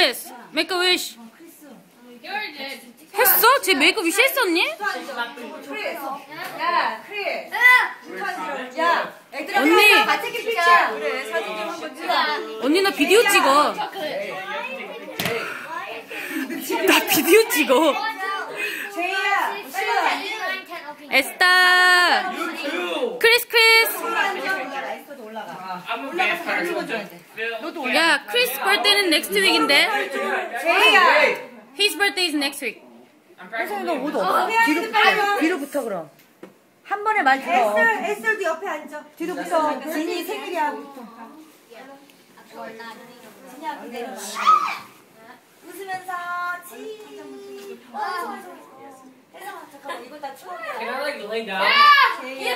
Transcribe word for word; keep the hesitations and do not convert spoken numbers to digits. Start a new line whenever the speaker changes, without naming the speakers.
Chris, make a wish. 했어? 쟤 메이크업 위시 했었니?
야, 크리스. 야, 애들아
언니.
같이 찍자. 그래, 사진 좀 한번 찍어.
언니 나 비디오 찍어. 나 비디오 찍어.
제이야,
에스타. 크리스 크리스.
라이스도 올라가.
야, 크리스 birthday는 next week인데.
제이야.
His birthday is next week.
혜성이 너 옷 없어? 뒤로 붙어. 뒤로 붙어 그럼. 한 번에 말 들어.
에슬, 에슬도 옆에 앉아. 뒤로 붙어. 진이 생일이야. 진이야, 내려놔. 웃으면서 치. 어, 혜성아, 잠깐만, 이거 다 추억이야.
Can I like lay down?
제이야.